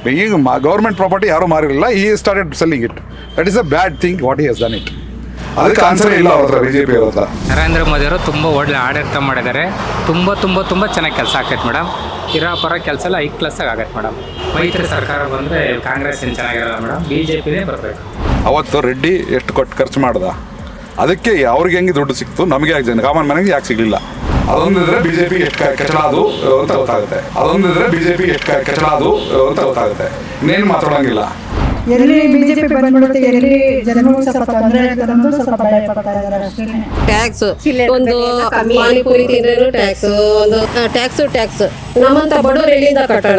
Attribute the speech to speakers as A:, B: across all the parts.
A: ಈಗ government property ಯಾರು ಮಾರಿರಲಿಲ್ಲ, ಈ started selling it. That is a bad thing what he has done it. ಅದಕ್ಕೆ ಆನ್ಸರ್ ಇಲ್ಲ ಅವ್ರ ಹತ್ರ, ಬಿಜೆಪಿ ಅವ್ರ ಹತ್ರ.
B: ನರೇಂದ್ರ ಮೋದಿ ಅವರು ತುಂಬ ಒಳ್ಳೆ ಆಡಳಿತ ಮಾಡಿದ್ದಾರೆ. ತುಂಬ ಚೆನ್ನಾಗಿ ಕೆಲಸ ಆಗೈತೆ ಮೇಡಮ್. ಇರೋ ಪರ ಕೆಲಸ ಎಲ್ಲ ಐದು ಕ್ಲಾಸಾಗಿ ಆಗೈತೆ ಮೇಡಮ್. ಮೈತ್ರಿ ಸರ್ಕಾರ ಬಂದರೆ ಕಾಂಗ್ರೆಸ್ ಏನು ಚೆನ್ನಾಗಿರಲ್ಲ ಮೇಡಮ್, BJPನೇ ಬರಬೇಕು.
A: ಅವತ್ತು ರೆಡ್ಡಿ ಎಷ್ಟು ಕೊಟ್ಟು ಖರ್ಚು ಮಾಡ್ದ, ಅದಕ್ಕೆ ಅವ್ರಿಗೆ ಹೆಂಗೆ ದುಡ್ಡು ಸಿಕ್ತು, ನಮಗೆ ಯಾಕೆ ಕಾಮನ್ ಮನೆಗೆ ಯಾಕೆ ಸಿಗಲಿಲ್ಲ? ಅದೊಂದಿದ್ರೆ ಬಿಜೆಪಿ ಎಷ್ಟು ಕಚಡ ಅದು ಅಂತ ಗೊತ್ತಾಗುತ್ತೆ. ಇನ್ನೇನು ಮಾತಾಡೋಂಗಿಲ್ಲ.
C: ಎಲ್ಲಿ ಬಿಜೆಪಿ ಬಂದ್ಬಿಡುತ್ತೆ, ಎಲ್ಲಿ ಜನಗಳು ಸ್ವಲ್ಪ ತೊಂದರೆ ಆಗುತ್ತೆ ಅನ್ನೋದು ಸ್ವಲ್ಪ ಭಯ ಪಡ್ತಾ ಇದ್ದಾರೆ ಅಷ್ಟೇ.
D: ಟ್ಯಾಕ್ಸ್ ಒಂದು ಪಾನಿಪುರಿ ತಿಂದ್ರೂ ಟ್ಯಾಕ್ಸ್, ಒಂದು ಟ್ಯಾಕ್ಸ್ ನಮ್ಮಂತ ಬಡವರು ಎಲ್ಲಿಂದ ಕಟ್ಟೋಣ?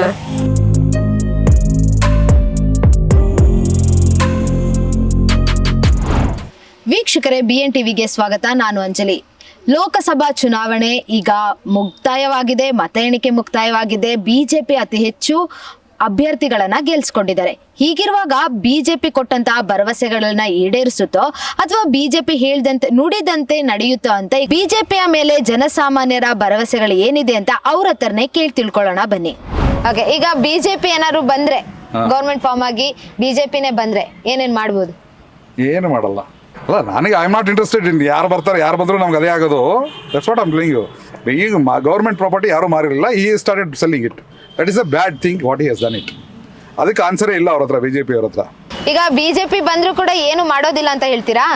E: ವೀಕ್ಷಕರೇ, BN ಟಿವಿಗೆ ಸ್ವಾಗತ. ನಾನು ಅಂಜಲಿ. ಲೋಕಸಭಾ ಚುನಾವಣೆ ಈಗ ಮುಕ್ತಾಯವಾಗಿದೆ, ಮತ ಎಣಿಕೆ ಮುಕ್ತಾಯವಾಗಿದೆ. ಬಿಜೆಪಿ ಅತಿ ಹೆಚ್ಚು ಅಭ್ಯರ್ಥಿಗಳನ್ನ ಗೆಲ್ಸ್ಕೊಂಡಿದ್ದಾರೆ. ಹೀಗಿರುವಾಗ ಬಿಜೆಪಿ ಕೊಟ್ಟಂತಹ ಭರವಸೆಗಳನ್ನ ಈಡೇರಿಸುತ್ತೋ ಅಥವಾ ಬಿಜೆಪಿ ಹೇಳ್ದಂತೆ ನುಡಿದಂತೆ ನಡೆಯುತ್ತೋ ಅಂತ ಬಿಜೆಪಿಯ ಮೇಲೆ ಜನಸಾಮಾನ್ಯರ ಭರವಸೆಗಳು ಏನಿದೆ ಅಂತ ಅವ್ರ ಹತ್ರನೇ ಕೇಳಿ ತಿಳ್ಕೊಳ್ಳೋಣ ಬನ್ನಿ. ಹಾಗೆ ಈಗ ಬಿಜೆಪಿ ಏನಾದ್ರು ಬಂದ್ರೆ, ಗೌರ್ಮೆಂಟ್ ಫಾರ್ಮ್ ಆಗಿ ಬಿಜೆಪಿನೇ ಬಂದ್ರೆ ಏನೇನ್ ಮಾಡ್ಬೋದು?
A: ಏನು ಮಾಡಲ್ಲ. ಅಲ್ಲ, ನನಗೆ I am not interested in ಯಾರು ಬರ್ತಾರೆ, ಯಾರು ಬಂದರೂ ನಮ್ಗೆ ಅದೇ ಆಗೋದು. That's what I am telling you. ಈಗ ಗೌರ್ಮೆಂಟ್ ಪ್ರಾಪರ್ಟಿ ಯಾರು ಮಾರಿರಲಿಲ್ಲ, ಈ started selling it. That is a bad thing what he has done it. ಅದಕ್ಕೆ ಆನ್ಸರೇ ಇಲ್ಲ ಅವ್ರ ಹತ್ರ, ಬಿಜೆಪಿ ಅವ್ರ ಹತ್ರ.
E: ಈಗ ಬಿಜೆಪಿ ಬಂದ್ರು ಕೂಡ ಏನು ಮಾಡೋದಿಲ್ಲ ಅಂತ ಹೇಳ್ತೀರಾ?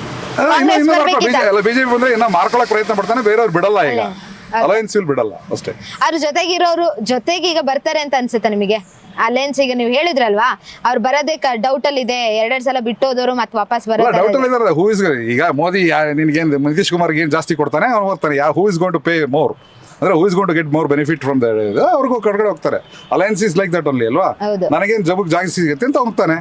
A: ಬಿಜೆಪಿ ಬಂದ್ರೆ ಇನ್ನ ಮಾರ್ಕೊಳಕ್ ಪ್ರಯತ್ನ ಪಡ್ತಾನೆ, ಬೇರೆಯವ್ರು ಬಿಡಲ್ಲ. ಈಗ ಅಲಯನ್ಸ್ ಬಿಡಲ್ಲ ಅಷ್ಟೇ.
E: ಅವ್ರ ಜೊತೆಗಿರೋರು ಜೊತೆಗೆ ಈಗ ಬರ್ತಾರೆ ಅಂತ ಅನ್ಸುತ್ತೆ ನಿಮಗೆ? ಅಲಯನ್ಸ್ ಈಗ ನೀವು ಹೇಳಿದ್ರಲ್ವಾ, ಅವ್ರು ಬರೋದೇ ಡೌಟ್ ಅಲ್ಲಿ ಇದೆ. ಎರಡೆರಡು ಸಲ ಬಿಟ್ಟೋದವರು ಮತ್ತೆ ವಾಪಸ್ ಬರೋದು
A: ಡೌಟ್ ಅಲ್ಲಿ ಇದಾರೆ. ಹೂ ಇಸ್ ಈಗ ಮೋದಿ ನಿನ್ಗೇನು ನಿತೀಶ್ ಕುಮಾರ್ಗೆ ಏನು ಜಾಸ್ತಿ ಕೊಡ್ತಾನೆ ಅವ್ನು ಹೋಗ್ತಾನೆ. Who is going to pay more ಅಂದ್ರೆ who is going to get more benefit from the, ಅವ್ರಿಗೂ ಕಡೆಗಡೆ ಹೋಗ್ತಾರೆ. Alliance is like that only ಅಲ್ವಾ? ನನಗೇನು ಜಬಕ್ ಜಾಸ್ತಿ ಸಿಗುತ್ತೆ ಅಂತ ಹೋಗ್ತಾನೆ.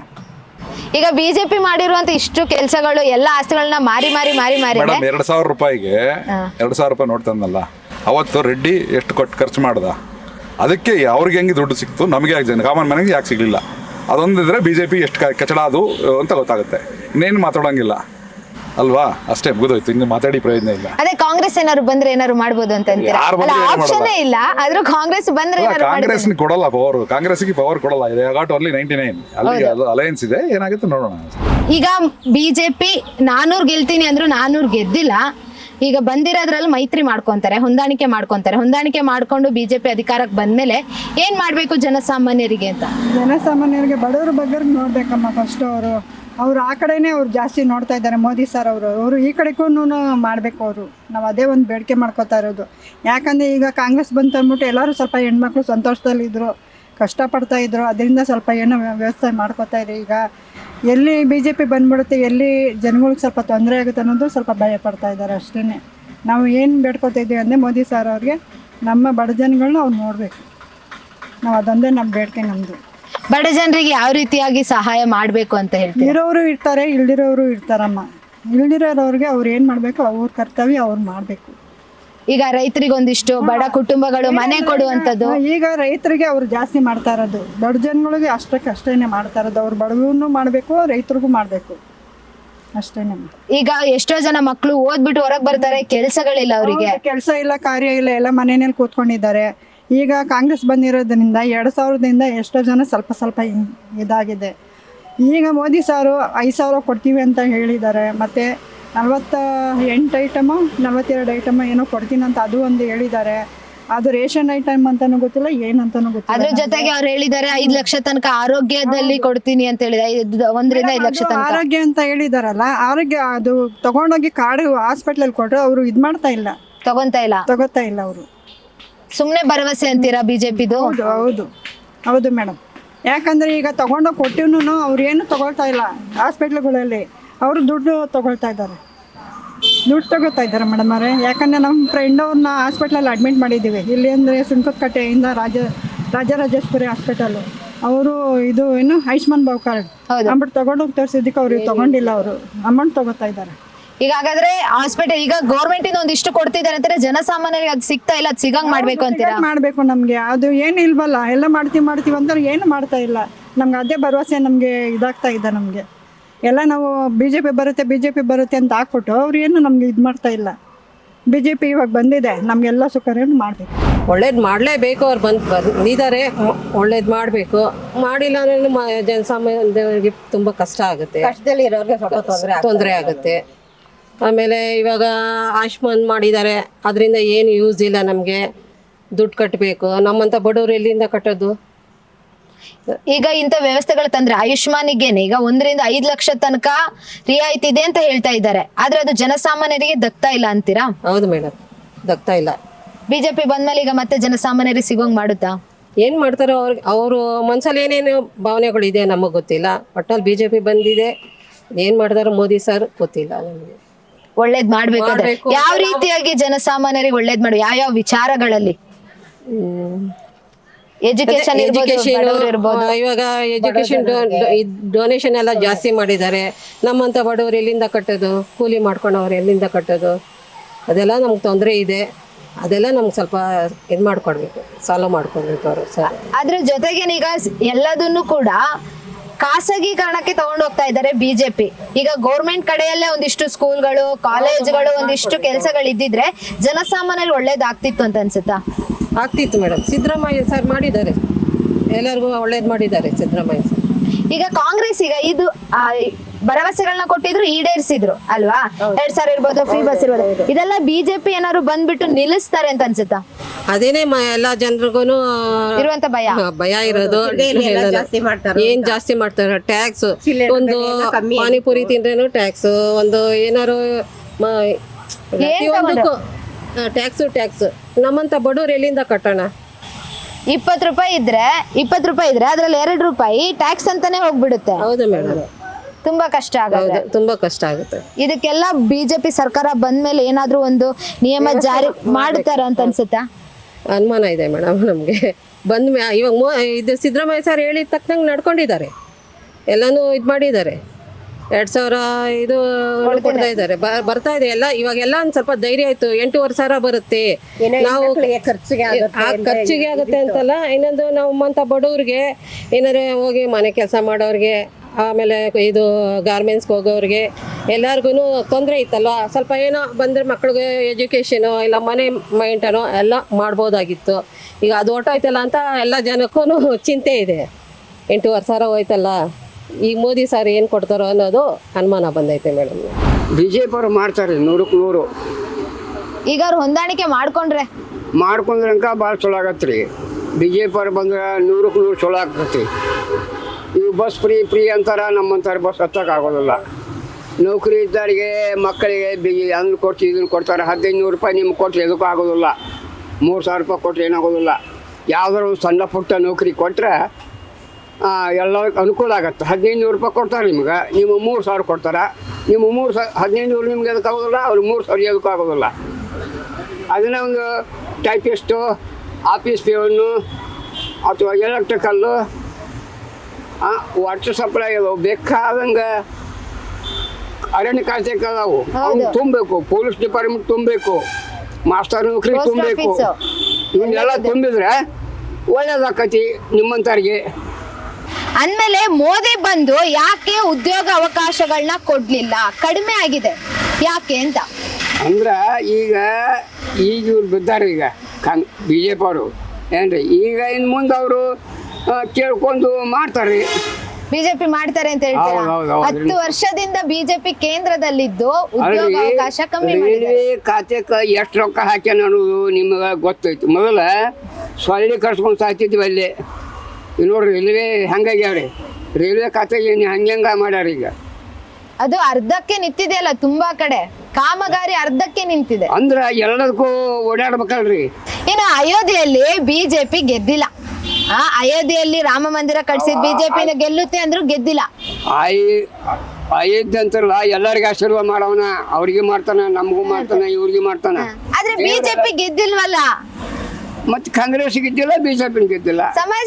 E: ಈಗ ಬಿಜೆಪಿ ಮಾಡಿರುವಂತ ಇಷ್ಟು ಕೆಲಸಗಳು, ಎಲ್ಲ ಆಸ್ತಿಗಳನ್ನ ಮಾರಿ
A: ಮೇಡಮ್, 2,000 ರೂಪಾಯಿಗೆ 2,000 ರೂಪಾಯಿ ನೋಟ್ ತಂದಲ್ಲ, ಅವತ್ತು ರೆಡ್ಡಿ ಎಷ್ಟು ಕೊಟ್ಟು ಖರ್ಚು ಮಾಡ್ದ, ಅದಕ್ಕೆ ಅವ್ರಿಗೆ ಹೆಂಗೆ ದುಡ್ಡು ಸಿಕ್ತು, ನಮಗೆ ಯಾಕೆ ಕಾಮನ್ ಮನೆಗೆ ಯಾಕೆ ಸಿಗಲಿಲ್ಲ? ಅದೊಂದಿದ್ರೆ ಬಿಜೆಪಿ ಎಷ್ಟು ಕಚಡ ಅದು ಅಂತ ಗೊತ್ತಾಗುತ್ತೆ. ಇನ್ನೇನು ಮಾತಾಡೋಂಗಿಲ್ಲ ಅಲ್ವಾ? ಅಷ್ಟೇ, ಮುಗಿದೋಯ್ತು. ಇನ್ನು ಮಾತಾಡಿ ಪ್ರಯೋಜನ ಇಲ್ಲ.
E: ಅದೇ ಕಾಂಗ್ರೆಸ್ ಏನಾದ್ರು ಬಂದ್ರೆ ಏನಾದ್ರು ಮಾಡ್ಬೋದು ಅಂತ ಆಪ್ಷನ್ ಇಲ್ಲ. ಆದ್ರೂ ಕಾಂಗ್ರೆಸ್ ಬಂದ್ರೆ
A: ಕಾಂಗ್ರೆಸ್ ಕೊಡಲ್ಲ ಪವರ್, ಕಾಂಗ್ರೆಸ್ಗೆ ಪವರ್ ಕೊಡಲ್ಲ. ಇದೆ ಗಾಟ್ ಓನ್ಲಿ 99. ಅಲ್ಲಿ ಅಲಯನ್ಸ್ ಇದೆ, ಏನಾಗುತ್ತೆ ನೋಡೋಣ.
E: ಈಗ ಬಿಜೆಪಿ 400 ಗೆಲ್ತೀನಿ ಅಂದ್ರು 400 ಗೆದ್ದಿಲ್ಲ. ಈಗ ಬಂದಿರೋದ್ರಲ್ಲಿ ಮೈತ್ರಿ ಮಾಡ್ಕೊಂತಾರೆ, ಹೊಂದಾಣಿಕೆ ಮಾಡ್ಕೊಂಡು ಬಿಜೆಪಿ ಅಧಿಕಾರಕ್ಕೆ ಬಂದ್ಮೇಲೆ ಏನ್ ಮಾಡ್ಬೇಕು ಜನಸಾಮಾನ್ಯರಿಗೆ ಅಂತ?
C: ಜನಸಾಮಾನ್ಯರಿಗೆ, ಬಡವರು ಬಗ್ಗೆ ನೋಡ್ಬೇಕಮ್ಮ ಫಸ್ಟ್. ಅವರು ಆ ಕಡೆನೇ ಅವ್ರು ಜಾಸ್ತಿ ನೋಡ್ತಾ ಇದ್ದಾರೆ. ಮೋದಿ ಸರ್ ಅವರು ಈ ಕಡೆಗೂ ಮಾಡಬೇಕು. ನಾವು ಅದೇ ಒಂದು ಬೇಡಿಕೆ ಮಾಡ್ಕೋತಾ ಇರೋದು. ಯಾಕಂದರೆ ಈಗ ಕಾಂಗ್ರೆಸ್ ಬಂತು ಅಂದ್ಬಿಟ್ಟು ಎಲ್ಲರೂ ಸ್ವಲ್ಪ ಹೆಣ್ಮಕ್ಳು ಸಂತೋಷದಲ್ಲಿದ್ದರು, ಕಷ್ಟಪಡ್ತಾಯಿದ್ರು. ಅದರಿಂದ ಸ್ವಲ್ಪ ಏನೋ ವ್ಯವಸ್ಥೆ ಮಾಡ್ಕೋತಾ ಇದ್ರು. ಈಗ ಎಲ್ಲಿ ಬಿಜೆಪಿ ಬಂದ್ಬಿಡುತ್ತೆ, ಎಲ್ಲಿ ಜನಗಳಿಗೆ ಸ್ವಲ್ಪ ತೊಂದರೆ ಆಗುತ್ತೆ ಅನ್ನೋದು ಸ್ವಲ್ಪ ಭಯ ಪಡ್ತಾ ಇದ್ದಾರೆ ಅಷ್ಟೇ. ನಾವು ಏನು ಬೇಡ್ಕೊತಾ ಇದ್ದೀವಿ ಅಂದರೆ ಮೋದಿ ಸರ್ ಅವ್ರಿಗೆ ನಮ್ಮ ಬಡ ಜನಗಳನ್ನ ಅವ್ರು ನೋಡಬೇಕು. ನಾವು ಅದೊಂದೇ ನಮ್ಮ ಬೇಡಿಕೆ ನಮ್ಮದು.
E: ಬಡ ಜನರಿಗೆ ಯಾವ ರೀತಿಯಾಗಿ ಸಹಾಯ ಮಾಡಬೇಕು ಅಂತ ಹೇಳ್ತೀವಿ?
C: ಇರೋರು ಇರ್ತಾರೆ, ಇಲ್ದಿರೋರು ಇರ್ತಾರಮ್ಮ. ಇಲ್ದಿರೋರವ್ರಿಗೆ ಅವ್ರು ಏನು ಮಾಡಬೇಕು, ಅವ್ರ ಕರ್ತವ್ಯ ಅವ್ರು ಮಾಡಬೇಕು.
E: ಈಗ ರೈತರಿಗೆ ಒಂದಿಷ್ಟು, ಬಡ ಕುಟುಂಬಗಳು ಮನೆ ಕೊಡುವಂಥದ್ದು.
C: ಈಗ ರೈತರಿಗೆ ಅವ್ರು ಜಾಸ್ತಿ ಮಾಡ್ತಾ ಇರೋದು, ಬಡ ಜನಗಳಿಗೆ ಅಷ್ಟೇ ಮಾಡ್ತಾ ಇರೋದು. ಅವ್ರು ಬಡವ್ರನ್ನೂ ಮಾಡಬೇಕು, ರೈತರಿಗೂ ಮಾಡಬೇಕು, ಅಷ್ಟೇ.
E: ಈಗ ಎಷ್ಟೋ ಜನ ಮಕ್ಕಳು ಓದ್ಬಿಟ್ಟು ಹೊರಗೆ ಬರ್ತಾರೆ, ಕೆಲಸಗಳಿಲ್ಲ ಅವರಿಗೆ.
C: ಕೆಲಸ ಇಲ್ಲ, ಕಾರ್ಯ ಇಲ್ಲ, ಎಲ್ಲ ಮನೆಯಲ್ಲಿ ಕೂತ್ಕೊಂಡಿದ್ದಾರೆ. ಈಗ ಕಾಂಗ್ರೆಸ್ ಬಂದಿರೋದ್ರಿಂದ 2000ದಿಂದ ಎಷ್ಟೋ ಜನ ಸ್ವಲ್ಪ ಇದಾಗಿದೆ. ಈಗ ಮೋದಿ ಸಾರು 5,000 ಕೊಡ್ತೀವಿ ಅಂತ ಹೇಳಿದ್ದಾರೆ. ಮತ್ತು 48 ಐಟಮು 42 ಐಟಮ್ ಏನೋ ಕೊಡ್ತೀನಿ ಅಂತ ಅದು ಒಂದು ಹೇಳಿದ್ದಾರೆ. ಅದು ರೇಷನ್ ಐಟಮ್ ಅಂತಾನು ಗೊತ್ತಿಲ್ಲ, ಏನಂತಾನು ಗೊತ್ತಿಲ್ಲ.
E: ಅದ್ರ ಜೊತೆಗೆ ಅವ್ರು ಹೇಳಿದ್ದಾರೆ 5 ಲಕ್ಷ ತನಕ ಆರೋಗ್ಯದಲ್ಲಿ ಕೊಡ್ತೀನಿ ಅಂತ ಹೇಳಿದ್ದಾರೆ. 1 ರಿಂದ 5 ಲಕ್ಷ ತನಕ
C: ಆರೋಗ್ಯ ಅಂತ ಹೇಳಿದಾರಲ್ಲ, ಆರೋಗ್ಯ ಅದು ತಗೊಂಡೋಗಿ ಕಾರ್ಡ್ ಹಾಸ್ಪಿಟ್ಲಲ್ಲಿ ಕೊಟ್ಟರು ಅವರು ಇದು ಮಾಡ್ತಾ ಇಲ್ಲ, ತಗೋತಾ ಇಲ್ಲ ಅವರು.
E: ಸುಮ್ಮನೆ ಭರವಸೆ ಅಂತೀರಾ ಬಿಜೆಪಿದು?
C: ಹೌದು ಮೇಡಮ್. ಯಾಕಂದರೆ ಈಗ ತಗೊಂಡೋಗಿ ಕೊಟ್ಟಿವ್ನು ಅವ್ರು ಏನು ತಗೊಳ್ತಾ ಇಲ್ಲ. ಹಾಸ್ಪಿಟ್ಲ್ಗಳಲ್ಲಿ ಅವರು ದುಡ್ಡು ತಗೊಳ್ತಾ ಇದ್ದಾರೆ ಮೇಡಮ್ ಅವರೇ. ಯಾಕಂದರೆ ನಮ್ಮ ಫ್ರೆಂಡ್ ಅವ್ರನ್ನ ಹಾಸ್ಪಿಟ್ಲಲ್ಲಿ ಅಡ್ಮಿಟ್ ಮಾಡಿದ್ದೀವಿ. ಇಲ್ಲಿ ಅಂದರೆ ಸುಂಕದಕಟ್ಟೆಯಿಂದ ರಾಜರಾಜೇಶ್ವರಿ ಹಾಸ್ಪಿಟಲು. ಅವರು ಇದು ಏನು ಆಯುಷ್ಮಾನ್ ಭಾವ್ ಕಾರ್ಡ್ ಅಂದ್ಬಿಟ್ಟು ತಗೊಂಡೋಗಿ ತೋರಿಸಿದ್ದಕ್ಕೆ ಅವ್ರಿಗೆ ತಗೊಂಡಿಲ್ಲ, ಅವರು ಅಮೌಂಟ್ ತಗೋತಾ ಇದ್ದಾರೆ.
E: ಈಗ ಹಾಗಾದ್ರೆ ಹಾಸ್ಪಿಟಲ್ ಈಗ ಗೌರ್ಮೆಂಟ್ ಇಂದ ಒಂದಿಷ್ಟು ಕೊಡ್ತಿದ್ದಾರೆ ಅಂತಾರೆ, ಜನಸಾಮಾನ್ಯರಿಗೆ ಅದು ಸಿಗ್ತಾ ಇಲ್ಲ, ಅದು ಸಿಗಂಗ್ ಮಾಡ್ಬೇಕು ಅಂತೀರಾ?
C: ಮಾಡಬೇಕು. ನಮಗೆ ಅದು ಏನು ಇಲ್ವಲ್ಲ, ಎಲ್ಲ ಮಾಡ್ತೀವಿ ಅಂತ ಏನು ಮಾಡ್ತಾ ಇಲ್ಲ. ನಮ್ಗೆ ಅದೇ ಭರವಸೆ ನಮಗೆ ಇದಾಗ್ತಾ ಇದೆ. ನಮಗೆ ಎಲ್ಲ ನಾವು ಬಿಜೆಪಿ ಬರುತ್ತೆ ಅಂತ ಹಾಕ್ಬಿಟ್ಟು ಅವ್ರು ಏನು ನಮ್ಗೆ ಇದು ಮಾಡ್ತಾ ಇಲ್ಲ. BJP ಇವಾಗ ಬಂದಿದೆ, ನಮಗೆಲ್ಲ ಸೌಕರ್ಯನೂ ಮಾಡಬೇಕು.
D: ಒಳ್ಳೇದು ಮಾಡಲೇಬೇಕು. ಅವ್ರು ಬಂದಿದ್ದಾರೆ, ಒಳ್ಳೇದು ಮಾಡಬೇಕು. ಮಾಡಿಲ್ಲ ಅಂದ್ರೆ ಜನಸಾಮಾನ್ಯರಿಗೆ ತುಂಬ ಕಷ್ಟ ಆಗುತ್ತೆ,
F: ಕಷ್ಟದಲ್ಲಿ ಇರೋರಿಗೆ ಸ್ವಲ್ಪ
D: ತೊಂದರೆ ಆಗುತ್ತೆ. ಆಮೇಲೆ ಇವಾಗ ಆಯುಷ್ಮಾನ್ ಮಾಡಿದ್ದಾರೆ, ಅದರಿಂದ ಏನು ಯೂಸ್ ಇಲ್ಲ. ನಮಗೆ ದುಡ್ಡು ಕಟ್ಟಬೇಕು, ನಮ್ಮಂಥ ಬಡವರು ಎಲ್ಲಿಂದ ಕಟ್ಟೋದು?
E: ಈಗ ಇಂಥ ವ್ಯವಸ್ಥೆಗಳು ತಂದ್ರೆ ಆಯುಷ್ಮಾನಿಗೇನೆ ಈಗ 1 ರಿಂದ 5 ಲಕ್ಷ ತನಕ ರಿಯಾಯಿತಿ ಇದೆ ಅಂತ ಹೇಳ್ತಾ ಇದ್ದಾರೆ, ಆದ್ರೆ ಅದು ಜನಸಾಮಾನ್ಯರಿಗೆ ದಕ್ತಾ ಇಲ್ಲ ಅಂತೀರಾ?
D: ಹೌದು ಮೇಡಮ್, ದಕ್ತಾ ಇಲ್ಲ.
E: ಬಿಜೆಪಿ ಬಂದ್ಮೇಲೆ ಈಗ ಮತ್ತೆ ಜನಸಾಮಾನ್ಯರಿಗೆ ಸಿಗೋಂಗ್ ಮಾಡುತ್ತಾ?
D: ಏನು ಮಾಡ್ತಾರೋ ಅವರು ಮನ್ಸಲ್ಲಿ ಏನೇನು ಭಾವನೆಗಳಿದೆ ನಮಗೆ ಗೊತ್ತಿಲ್ಲ. ಒಟ್ಟಲ್ಲಿ BJP ಬಂದಿದೆ, ಏನು ಮಾಡ್ತಾರೋ ಮೋದಿ ಸರ್ ಗೊತ್ತಿಲ್ಲ ನಮಗೆ.
E: ಒಳ್ಳೇದ್ ಮಾಡ್ಬೇಕಾದ್ರೆ
D: ಮಾಡ್ಬೇಕು.
E: ಯಾವ ರೀತಿಯಾಗಿ ಜನಸಾಮಾನ್ಯರಿಗೆ ಒಳ್ಳೇದ್ ಮಾಡಿ, ಯಾವ ವಿಚಾರಗಳಲ್ಲಿ? ಎಜುಕೇಶನ್
D: ಇವಾಗ ಎಜುಕೇಶನ್ ಡೊನೇಷನ್ ಎಲ್ಲ ಜಾಸ್ತಿ ಮಾಡಿದ್ದಾರೆ. ನಮ್ಮಂಥ ಬಡವರು ಎಲ್ಲಿಂದ ಕಟ್ಟೋದು? ಕೂಲಿ ಮಾಡ್ಕೊಂಡವ್ರು ಎಲ್ಲಿಂದ ಕಟ್ಟೋದು? ಅದೆಲ್ಲ ನಮ್ಗೆ ತೊಂದರೆ ಇದೆ. ಅದೆಲ್ಲ ನಮ್ಗೆ ಸ್ವಲ್ಪ ಇದು ಮಾಡ್ಕೊಡ್ಬೇಕು, ಸಾಲ್ವ್ ಮಾಡ್ಕೊಡ್ಬೇಕು ಅವರು ಸರ್.
E: ಅದ್ರ ಜೊತೆಗೆ ಈಗ ಎಲ್ಲದನ್ನು ಕೂಡ ಖಾಸಗೀಕರಣಕ್ಕೆ ತಗೊಂಡು ಹೋಗ್ತಾ ಇದ್ದಾರೆ ಬಿಜೆಪಿ. ಈಗ ಗೌರ್ಮೆಂಟ್ ಕಡೆಯಲ್ಲೇ ಒಂದಿಷ್ಟು ಸ್ಕೂಲ್ಗಳು, ಕಾಲೇಜ್ಗಳು, ಒಂದಿಷ್ಟು ಕೆಲಸಗಳು ಇದ್ದಿದ್ರೆ ಜನಸಾಮಾನ್ಯರಿಗೆ ಒಳ್ಳೇದಾಗ್ತಿತ್ತು ಅಂತ ಅನ್ಸುತ್ತಾ?
D: ಆಗ್ತಿತ್ತು ಮೇಡಮ್. ಸಿದ್ದರಾಮಯ್ಯ ಸರ್ ಮಾಡಿದ್ದಾರೆ, ಎಲ್ಲರಿಗೂ ಒಳ್ಳೇದು ಮಾಡಿದ್ದಾರೆ ಸಿದ್ದರಾಮಯ್ಯ ಸರ್.
E: ಈಗ ಕಾಂಗ್ರೆಸ್ ಈಗ ಇದು ಭರವಸೆಗಳನ್ನ ಕೊಟ್ಟಿದ್ರು, ಈಡೇರಿಸಿದ್ರು ಅಲ್ವಾ? 2,000 ಇರ್ಬೋದು, ಫ್ರೀ ಬಸ್ ಇರ್ಬೋದು, ಇದೆಲ್ಲ ಬಿಜೆಪಿ ಏನಾದ್ರು ಬಂದ್ಬಿಟ್ಟು ನಿಲ್ಲಿಸ್ತಾರೆ ಅಂತ ಅನ್ಸುತ್ತಾ?
D: ಅದೇನೇ ಎಲ್ಲ ಜನರಿಗೂ
E: ಇರುವಂತ
D: ಭಯ ಇರೋದು. ಏನ್ ಜಾಸ್ತಿ ಮಾಡ್ತಾರೆ? ಟ್ಯಾಕ್ಸ್. ಒಂದು ಪಾನಿಪುರಿ ತಿಂದ್ರೇನು ಟ್ಯಾಕ್ಸ್, ಒಂದು ಏನಾರು ಪ್ರತಿಯೊಂದಕ್ಕೂ ಟ್ಯಾಕ್ಸ್. ನಮ್ಮಂತ ಬಡವ್ರು ಎಲ್ಲಿಂದ ಕಟ್ಟೋಣ?
E: 20 ರೂಪಾಯಿ ಇದ್ರೆ ಅದ್ರಲ್ಲಿ 2 ರೂಪಾಯಿ ಟ್ಯಾಕ್ಸ್ ಅಂತಾನೆ ಹೋಗ್ಬಿಡುತ್ತೆ.
D: ಹೌದು ಮೇಡಮ್,
E: ತುಂಬಾ ಕಷ್ಟ ಆಗುತ್ತೆ.
D: ತುಂಬಾ ಕಷ್ಟ ಆಗುತ್ತೆ.
E: ಇದಕ್ಕೆಲ್ಲ ಬಿಜೆಪಿ ಸರ್ಕಾರ ಬಂದ್ಮೇಲೆ ಏನಾದ್ರೂ ಒಂದು ನಿಯಮ ಜಾರಿ ಮಾಡ್ತಾರ ಅಂತ ಅನ್ಸುತ್ತಾ?
D: ಅನುಮಾನ ಇದೆ ಮೇಡಮ್ ನಮಗೆ. ಇವಾಗ ಇದು ಸಿದ್ದರಾಮಯ್ಯ ಸರ್ ಹೇಳಿದ ತಕ್ಕಂಗೆ ನಡ್ಕೊಂಡಿದ್ದಾರೆ, ಎಲ್ಲನೂ ಇದು ಮಾಡಿದ್ದಾರೆ. 2,000 ಇದು ಕೊಡ್ತಾ ಇದ್ದಾರೆ, ಬರ್ತಾ ಇದೆ ಎಲ್ಲ. ಇವಾಗೆಲ್ಲ ಒಂದು ಸ್ವಲ್ಪ ಧೈರ್ಯ ಆಯ್ತು. 8,500 ಬರುತ್ತೆ, ನಾವು ಖರ್ಚಿಗೆ ಆಗುತ್ತೆ ಅಂತಲ್ಲ. ಇನ್ನೊಂದು ನಮ್ಮಂಥ ಬಡವ್ರಿಗೆ ಏನಾರೇ ಹೋಗಿ ಮನೆ ಕೆಲಸ ಮಾಡೋರಿಗೆ, ಆಮೇಲೆ ಇದು ಗಾರ್ಮೆಂಟ್ಸ್ಗೆ ಹೋಗೋರಿಗೆ ಎಲ್ಲರಿಗೂ ತೊಂದರೆ ಇತ್ತಲ್ವ. ಸ್ವಲ್ಪ ಏನೋ ಬಂದರೆ ಮಕ್ಳಿಗೆ ಎಜುಕೇಷನು ಇಲ್ಲ ಮನೆ ಮೈಂಟನೋ ಎಲ್ಲ ಮಾಡ್ಬೋದಾಗಿತ್ತು. ಈಗ ಅದು ಹೊರ್ಟೋಯ್ತಲ್ಲ ಅಂತ ಎಲ್ಲ ಜನಕ್ಕೂ ಚಿಂತೆ ಇದೆ. 8,500 ಹೋಯ್ತಲ್ಲ, ಈ ಮೋದಿ ಸರ್ ಏನು ಕೊಡ್ತಾರೋ ಅನ್ನೋದು ಅನುಮಾನ ಬಂದೈತೆ ಮೇಡಮ್.
G: BJP ಅವ್ರು ಮಾಡ್ತಾರೆ 100ಕ್ಕೆ 100.
E: ಈಗ ಅವ್ರು ಹೊಂದಾಣಿಕೆ ಮಾಡ್ಕೊಂಡ್ರೆ
G: ಭಾಳ ಚಲೋ ಆಗತ್ತೆ ರೀ. BJP ಅವ್ರು ಬಂದ್ರೆ 100ಕ್ಕೆ 100 ಚಲೋ ಆಗ್ತೈತಿ. ಇವು ಬಸ್ ಫ್ರೀ ಅಂತಾರೆ, ನಮ್ಮಂತಾರೆ ಬಸ್ ಹತ್ತಕ್ಕಾಗೋದಿಲ್ಲ. ನೌಕರಿ ಇದ್ದವರಿಗೆ ಮಕ್ಕಳಿಗೆ ಅದನ್ನು ಕೊಟ್ಟು ಇದನ್ನು ಕೊಡ್ತಾರೆ. 1,500 ರೂಪಾಯಿ ನಿಮ್ಗೆ ಕೊಟ್ಟರೆ ಎದಕ್ಕೂ ಆಗೋದಿಲ್ಲ. 3,000 ರೂಪಾಯಿ ಕೊಟ್ಟರೆ ಏನಾಗೋದಿಲ್ಲ. ಯಾವುದಾದ್ರು ಒಂದು ಸಣ್ಣ ಪುಟ್ಟ ನೌಕರಿ ಕೊಟ್ಟರೆ ಎಲ್ಲ ಅನುಕೂಲ ಆಗುತ್ತೆ. 1,500 ರೂಪಾಯಿ ಕೊಡ್ತಾರೆ ನಿಮ್ಗೆ, ನೀವು 3,000 ಕೊಡ್ತಾರೆ. ನೀವು 1,500 ನಿಮ್ಗೆ ಎದಕ್ಕೆ ಆಗೋದಿಲ್ಲ, ಅವ್ರಿಗೆ 3,000 ಎದಕ್ಕೂ ಆಗೋದಿಲ್ಲ. ಅದನ್ನೇ ಒಂದು ಟೈಪಿಸ್ಟು, ಆಫೀಸ್ ಪೇವನ್ನು ಅಥವಾ ಎಲೆಕ್ಟ್ರಿಕಲ್ಲು, ವಾಟರ್ ಸಪ್ಲೈ ಅದಾವು, ಬೇಕಾದಂಗೆ ಅರಣ್ಯ ಖಾತೆ ಅದಾವು, ಅವ್ನು ತುಂಬಬೇಕು. ಪೊಲೀಸ್ ಡಿಪಾರ್ಟ್ಮೆಂಟ್ ತುಂಬಬೇಕು, ಮಾಸ್ಟರ್ ನೌಕರಿ ತುಂಬಬೇಕು. ಇವನ್ನೆಲ್ಲ ತುಂಬಿದ್ರೆ ಒಳ್ಳೇದಾಕತಿ ನಿಮ್ಮಂಥವ್ರಿಗೆ.
E: ಅಂದಮೇಲೆ ಮೋದಿ ಬಂದು ಯಾಕೆ ಉದ್ಯೋಗ ಅವಕಾಶಗಳನ್ನ ಕೊಡ್ಲಿಲ್ಲ, ಕಡಿಮೆ ಆಗಿದೆ ಯಾಕೆ ಅಂತ
G: ಅಂದ್ರೆ ಈಗ ಇವ್ರು ಬಿದ್ದಾರೆ. ಈಗ BJP ಅವರು ಏನ್ರಿ, ಈಗ ಇನ್ನು ಮುಂದೆ ಅವರು ಕೇಳ್ಕೊಂಡು ಮಾಡ್ತಾರೆ.
E: ಬಿಜೆಪಿ ಮಾಡ್ತಾರೆ ಅಂತ ಹೇಳ್ತೀರಾ? 10 ವರ್ಷದಿಂದ ಬಿಜೆಪಿ ಕೇಂದ್ರದಲ್ಲಿದ್ದು ಉದ್ಯೋಗ ಅವಕಾಶ ಕಮ್ಮಿ ಮಾಡಿದೆ.
G: ರೈಲ್ವೆ ಖಾತೆಗೆ ಎಷ್ಟು ರೊಕ್ಕ ಹಾಕ್ಯಾನ ಅನ್ನೋದು ನಿಮಗೆ ಗೊತ್ತೈತಿ. ಮೊದಲ ಸೊಳ್ಳೆ ಕರ್ಸ್ಕೊಂಡು ಸಾಯ್ತಿದ್ವಿ ಅಲ್ಲಿ. ಈಗ ನೋಡ್ರಿ ರೈಲ್ವೆ ಹೆಂಗಾಗ್ಯಾವ್ರಿ, ರೈಲ್ವೆ ಖಾತೆಗೆ ಹಂಗೆ ಮಾಡ್ಯಾರ. ಈಗ
E: ಅದು ಅರ್ಧಕ್ಕೆ ನಿಂತಿದೆಯಲ್ಲ, ತುಂಬಾ ಕಡೆ ಕಾಮಗಾರಿ ಅರ್ಧಕ್ಕೆ ನಿಂತಿದೆ.
G: ಅಂದ್ರೆ ಎಲ್ಲದಕ್ಕೂ ಓಡಾಡ್ಬೇಕಲ್ರಿ.
E: ಇನ್ನು ಅಯೋಧ್ಯೆಯಲ್ಲಿ ಬಿಜೆಪಿ ಗೆದ್ದಿಲ್ಲ. ಅಯೋಧ್ಯೆಯಲ್ಲಿ ರಾಮ ಮಂದಿರ ಕಟ್ಸಿದ್ ಬಿಜೆಪಿ ಗೆಲ್ಲುತ್ತೆ ಅಂದ್ರೂ ಗೆದ್ದಿಲ್ಲ.
G: ಅಯೋಧ್ಯೆ ಅಂತಾರಲ್ಲ, ಎಲ್ಲರಿಗೂ ಆಶೀರ್ವಾದ ಮಾಡವನ. ಅವ್ರಿಗೆ ಮಾಡ್ತಾನ, ನಮಗೂ ಮಾಡ್ತಾನ, ಇವ್ರಿಗೆ ಮಾಡ್ತಾನ.
E: ಆದ್ರೆ ಬಿಜೆಪಿ ಗೆದ್ದಿಲ್ವಲ್ಲ.
G: ಮತ್ತೆ ಕಾಂಗ್ರೆಸ್ ಗೆದ್ದಿಲ್ಲ, BJP ಗೆದ್ದಿಲ್ಲ,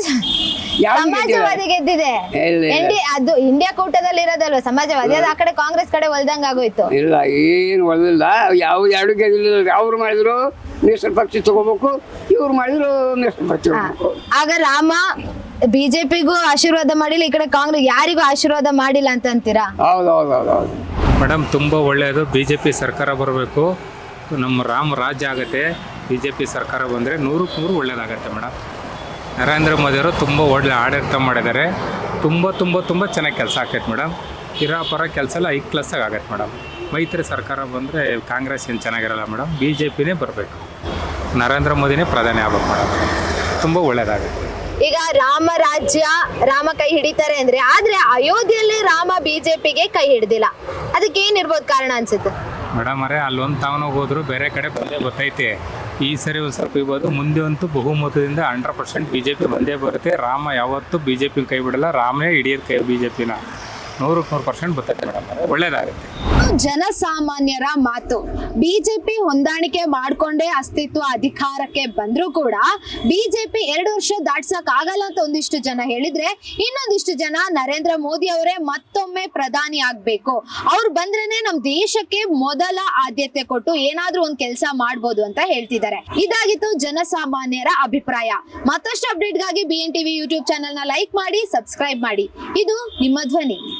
E: ಸಮಾಜವಾದಿ ಗೆದ್ದಿದೆ. ಅದು ಇಂಡಿಯಾ ಕೂಟದಲ್ಲಿ ಇರೋದಲ್ವ ಸಮಾಜವಾದಿ, ಅದು ಆ ಕಡೆ ಕಾಂಗ್ರೆಸ್ ಕಡೆ ಒಲ್ದಂಗ ಆಗೋಯ್ತು.
G: ಇಲ್ಲ, ಏನು ಒಳ್ಳಿಲ್ಲ. ಎರಡು ಗೆದ್ದಿಲ್ಲ. ಅವ್ರು ಮಾಡಿದ್ರು ಮೀಸಲು ಪಕ್ಷಿ ತಗೋಬೇಕು, ಇವ್ರು ಮಾಡಿದ್ರು ಮೀಸಲು ಪಕ್ಷಿ ತಗೋಬೇಕು.
E: ಆಗ ರಾಮ ಬಿಜೆಪಿಗೂ ಆಶೀರ್ವಾದ ಮಾಡಿಲ್ಲ, ಈ ಕಡೆ ಕಾಂಗ್ರೆಸ್ ಯಾರಿಗೂ ಆಶೀರ್ವಾದ ಮಾಡಿಲ್ಲ ಅಂತ ಅಂತೀರಾ?
G: ಹೌದೌದೌದೌದು
B: ಮೇಡಮ್, ತುಂಬ ಒಳ್ಳೆಯದು. BJP ಸರ್ಕಾರ ಬರಬೇಕು. ನಮ್ಮ ರಾಜ್ಯ ಆಗುತ್ತೆ. BJP ಸರ್ಕಾರ ಬಂದರೆ 100ಕ್ಕೆ 100 ಒಳ್ಳೆಯದಾಗತ್ತೆ ಮೇಡಮ್. ನರೇಂದ್ರ ಮೋದಿಯವರು ತುಂಬ ಒಳ್ಳೆ ಆಡಳಿತ ಮಾಡಿದ್ದಾರೆ. ತುಂಬ ಚೆನ್ನಾಗಿ ಕೆಲಸ ಆಕೈತೆ ಮೇಡಮ್. ಇರೋ ಪರ ಕೆಲಸ ಎಲ್ಲ ಹೈ ಕ್ಲಾಸಾಗಿ ಆಗತ್ತೆ ಮೇಡಮ್. ಮೈತ್ರಿ ಸರ್ಕಾರ ಬಂದರೆ ಕಾಂಗ್ರೆಸ್ ಏನು ಚೆನ್ನಾಗಿರಲ್ಲ ಮೇಡಮ್. BJPನೇ ಬರಬೇಕು, ನರೇಂದ್ರ ಮೋದಿನೇ ಪ್ರಧಾನಿ ಆಗ್ಬೇಕು ಮೇಡಮ್. ತುಂಬ ಒಳ್ಳೆಯದಾಗುತ್ತೆ.
E: ಈಗ ರಾಮ ರಾಜ್ಯ, ರಾಮ ಕೈ ಹಿಡಿತಾರೆ ಅಂದ್ರೆ, ಆದ್ರೆ ಅಯೋಧ್ಯೆಯಲ್ಲಿ ರಾಮ BJPಗೆ ಕೈ ಹಿಡ್ದಿಲ್ಲ. ಅದಕ್ಕೆ ಏನಿರ್ಬೋದು ಕಾರಣ ಅನ್ಸುತ್ತೆ
B: ಮೇಡಮ್? ಅಲ್ಲೊಂದು ತಾವನಾಗ ಹೋದ್ರು ಬೇರೆ ಕಡೆ ಬಂದೇ ಗೊತ್ತೈತೆ. ಈ ಸರಿ ಒಂದು ಸ್ವಲ್ಪ ಇರ್ಬೋದು, ಮುಂದೆ ಅಂತೂ ಬಹುಮತದಿಂದ 100% BJP ಬಂದೇ ಬರುತ್ತೆ. ರಾಮ ಯಾವತ್ತೂ BJP ಕೈ ಬಿಡಲ್ಲ, ರಾಮನೇ ಹಿಡಿಯೋದು ಕೈ BJPನ 100% ಬರ್ತೈತೆ ಮೇಡಮ್. ಒಳ್ಳೇದಾಗುತ್ತೆ.
E: ಜನಸಾಮಾನ್ಯರ ಮಾತು. BJP ಹೊಂದಾಣಿಕೆ ಮಾಡ್ಕೊಂಡೇ ಅಸ್ತಿತ್ವ ಅಧಿಕಾರಕ್ಕೆ ಬಂದ್ರೂ ಕೂಡ BJP 2 ವರ್ಷ ದಾಟ್ಸಕ್ ಆಗಲ್ಲ ಅಂತ ಒಂದಿಷ್ಟು ಜನ ಹೇಳಿದ್ರೆ, ಇನ್ನೊಂದಿಷ್ಟು ಜನ ನರೇಂದ್ರ ಮೋದಿ ಅವರೇ ಮತ್ತೊಮ್ಮೆ ಪ್ರಧಾನಿ ಆಗ್ಬೇಕು, ಅವ್ರು ಬಂದ್ರೇನೆ ನಮ್ ದೇಶಕ್ಕೆ ಮೊದಲ ಆದ್ಯತೆ ಕೊಟ್ಟು ಏನಾದ್ರೂ ಒಂದ್ ಕೆಲಸ ಮಾಡ್ಬೋದು ಅಂತ ಹೇಳ್ತಿದ್ದಾರೆ. ಇದಾಗಿತ್ತು ಜನಸಾಮಾನ್ಯರ ಅಭಿಪ್ರಾಯ. ಮತ್ತಷ್ಟು ಅಪ್ಡೇಟ್ಗಾಗಿ BNTV ಯೂಟ್ಯೂಬ್ ಚಾನೆಲ್ ನ ಲೈಕ್ ಮಾಡಿ, ಸಬ್ಸ್ಕ್ರೈಬ್ ಮಾಡಿ. ಇದು ನಿಮ್ಮ ಧ್ವನಿ.